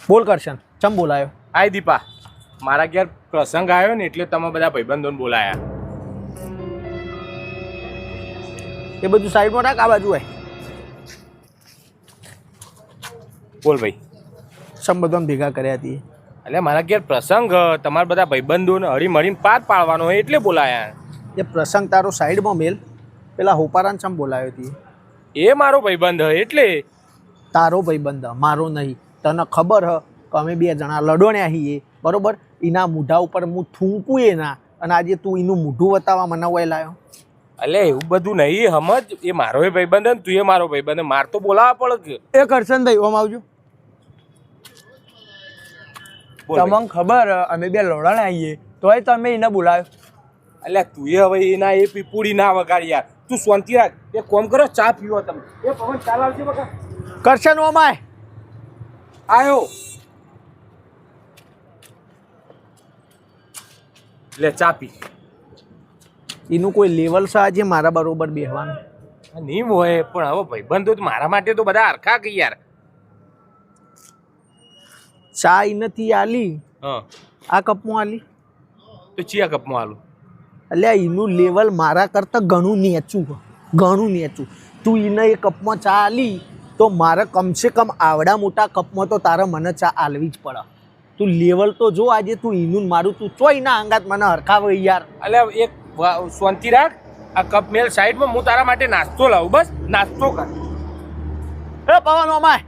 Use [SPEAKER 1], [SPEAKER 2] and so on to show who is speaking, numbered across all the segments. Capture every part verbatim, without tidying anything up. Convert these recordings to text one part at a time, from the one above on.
[SPEAKER 1] બોલ કરશન, ચમ બોલાયો?
[SPEAKER 2] આય દીપા, મારા ઘેર પ્રસંગ આવ્યો ને એટલે તમે બધા ભાઈબંધોને બોલાયા.
[SPEAKER 1] એ બધું સાઈડમાં રાખ, આ બાજુ આય.
[SPEAKER 2] બોલ ભાઈ.
[SPEAKER 1] સમ બધા ભેગા કર્યા હતી
[SPEAKER 2] એટલે મારા ઘેર પ્રસંગ, તમારા બધા ભાઈબંધોને હળી મળીને પાર પાડવાનો હોય એટલે બોલાયા.
[SPEAKER 1] એ પ્રસંગ તારો સાઈડમાં મેલ. પેલા હોપારાને ચમ બોલાયો હતી?
[SPEAKER 2] એ મારો ભાઈબંધ હ એટલે.
[SPEAKER 1] તારો ભાઈબંધ મારો નહીં. તને ખબર હ કે અમે બે જણા લડોણ્યા છીએ બરોબર. એના મૂઢા ઉપર હું થૂંકું એના, અને આજે તું એનું મૂઢું બતાવવા મને વય લાયો.
[SPEAKER 2] એટલે એવું બધું નહીં સમજ. એ મારો ભાઈબંધ ને તું એ મારો ભાઈબંધ, માર તો બોલાવવા પડે.
[SPEAKER 3] એ કરશન ભાઈ ઓમ આવજો. તમને ખબર અમે બે લડણ આવીએ તોય તમે એને બોલાવ્યો.
[SPEAKER 2] એટલે તું એ હવે એના એ પીપુડી ના વગાડ યાર. તું શાંતિ રાખ. એક કામ કરો, ચા પીવો તમે. એ પવન ચાલ આવજે બકા.
[SPEAKER 1] કરશન ઓમાય
[SPEAKER 2] આયો. લે ચા પી.
[SPEAKER 1] એનું કોઈ લેવલ છે આજે મારા બરોબર બેહવાનું?
[SPEAKER 2] નહીં હોય પણ હવે ભાઈબંધો તો મારા માટે તો બધા હરખા કે યાર.
[SPEAKER 1] ચા ઈ નથી આલી,
[SPEAKER 2] હા
[SPEAKER 1] આ કપમાં આલી.
[SPEAKER 2] તો ચિયા કપમાં આલું?
[SPEAKER 1] એટલે એનું લેવલ મારા કરતાં ઘણું નીચું ઘણું નીચું. તું એને એ કપમાં ચા આલી તો મારે કમસે કમ આવડા મોટા કપમાં તો તારે મને ચા આલવી જ પડે. તું લેવલ તો જો આજે. તું એનું મારું તું ચોઈ ના અંગાત મને હરખાવે યાર.
[SPEAKER 2] એટલે એક શાંતિ રાખ. આ કપ મેલ સાઈડમાં, હું તારા માટે નાસ્તો લાવું. બસ નાસ્તો કર.
[SPEAKER 1] એ પવન ઓમાય,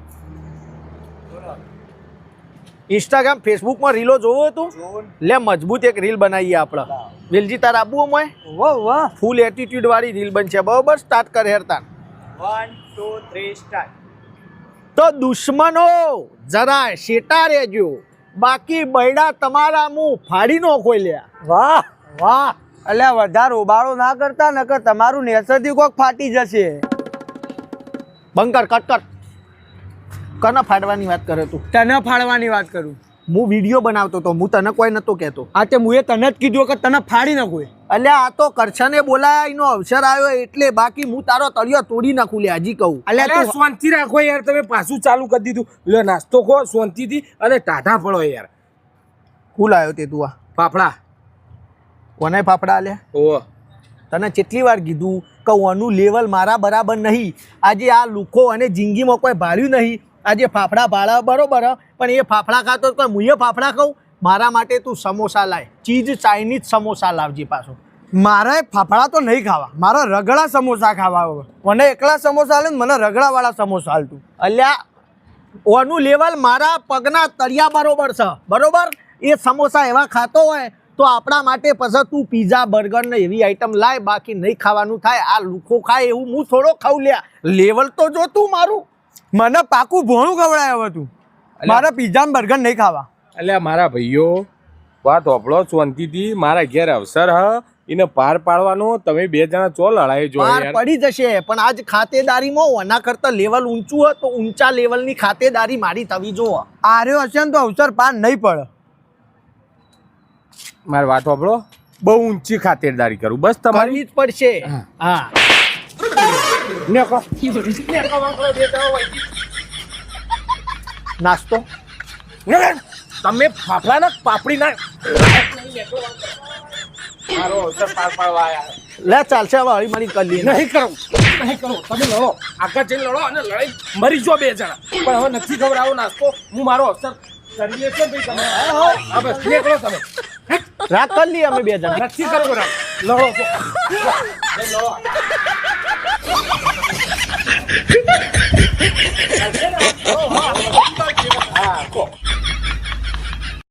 [SPEAKER 1] ઇન્સ્ટાગ્રામ ફેસબુકમાં રીલો જોવો તું? લે મજબૂત એક રીલ બનાવીએ આપણે. વેલજી તાર આબુ ઓમાય?
[SPEAKER 3] વાહ વાહ,
[SPEAKER 1] ફૂલ એટીટ્યુડ વાળી રીલ બનશે બરોબર. સ્ટાર્ટ કર હેરતાન.
[SPEAKER 3] One two three start.
[SPEAKER 1] તો દુશ્મનો જરાય શેટા રહેજો, બાકી બૈડા તમારા મું ફાડી નો ખોલ્યા.
[SPEAKER 3] વાહ વાહ, અલ્યા વધારે ઉબાળો ના કરતા નકર તમારું નેસરથી કોક ફાટી જશે.
[SPEAKER 1] બંકર કટ કર. કના ફાડવાની વાત કરે તું?
[SPEAKER 3] તને ફાડવાની વાત કરું.
[SPEAKER 1] હું વિડીયો બનાવતો તો, હું તને કોઈ નતો કહેતો.
[SPEAKER 3] આ તે મુએ તને જ કીધું કે તને ફાડી નાખું.
[SPEAKER 1] અલ્યા આ તો કરશને બોલાયા, એનો અવસર આવ્યો એટલે. બાકી હું તારો તળિયો તોડી નાખું લે હજી કહું.
[SPEAKER 2] અલ્યા તું શાંતિ રાખો યાર. તમે પાછું ચાલુ કરી દીધું. લે નાસ્તો ખો શાંતિથી અને ટાઢા પડો યાર.
[SPEAKER 1] ફૂલ આવ્યો તે તું આ
[SPEAKER 2] ફાફડા.
[SPEAKER 1] કોને ફાફડા આલ્યા?
[SPEAKER 2] ઓ
[SPEAKER 1] તને કેટલી વાર કીધું કે ઓનું લેવલ મારા બરાબર નહીં. આજે આ લુખો અને જિંદગીમાં કોઈ ભાર્યું નહીં. આજે ફાફડા ભાડા બરોબર, પણ એ ફાફડા ખાતો કોઈ મુએ ફાફડા ખાઉં? મારા માટે તું સમોસા લાય. ચીઝ ચાઇનીઝ સમોસા લાવજે પાછો.
[SPEAKER 3] મારે ફાફડા તો નહીં ખાવા, મારા રગડા સમોસા ખાવા. મને એકલા સમોસા હાલે, મને રગડાવાળા સમોસા હાલતું.
[SPEAKER 1] અલ્યા ઓનું લેવલ મારા પગના તળિયા બરોબર છે બરોબર. એ સમોસા એવા ખાતો હોય તો આપણા માટે પછી તું પીઝા બર્ગર ને એવી આઈટમ લાય. બાકી નહીં ખાવાનું થાય. આ લુખો ખાય એવું હું થોડો ખાઉં લ્યા. લેવલ તો જો તું મારું.
[SPEAKER 3] મને પાકું ભોણું ખવડાય હતું. મારે પીઝા બર્ગર નહીં ખાવા.
[SPEAKER 2] એટલે મારા ભાઈઓ વાત હોભળો શાંતિથી. મારા ઘેર અવસર હ, એને પાર પાડવાનો. તમે બે જણા ચો લડાઈ જો
[SPEAKER 1] પાર પડી જશે, પણ આજ ખાતેદારીમાં ઓના કરતા લેવલ ઊંચું હોય તો ઊંચા લેવલની ખાતેદારી મારી થવી જો.
[SPEAKER 3] આર્યો હશે ને તો અવસર પાર નહીં પડે.
[SPEAKER 2] મારી વાત હોભળો, બહુ ઊંચી ખાતરદારી કરું બસ તમારી
[SPEAKER 1] કરવી જ પડશે. હા નાસ્તો
[SPEAKER 2] તમે ફાફડા ના પાપડી ના મારો અવસર પાર પાડવા આયા.
[SPEAKER 1] લે ચાલશે હવે હળી મળી કરી લઈએ.
[SPEAKER 2] નહીં કરો નહીં કરો. તમે લડો, આગળ જઈને લડો અને લડાઈ મરી જો બે જણા. પણ હવે નથી ખબર આવો નાસ્તો. હું મારો અવસર કરીએ છે ભાઈ. તમે હા બસ નીકળો. તમે
[SPEAKER 1] રાત કરી લઈએ અમે બે જણા.
[SPEAKER 2] નથી કરો રાત. લડો લડો.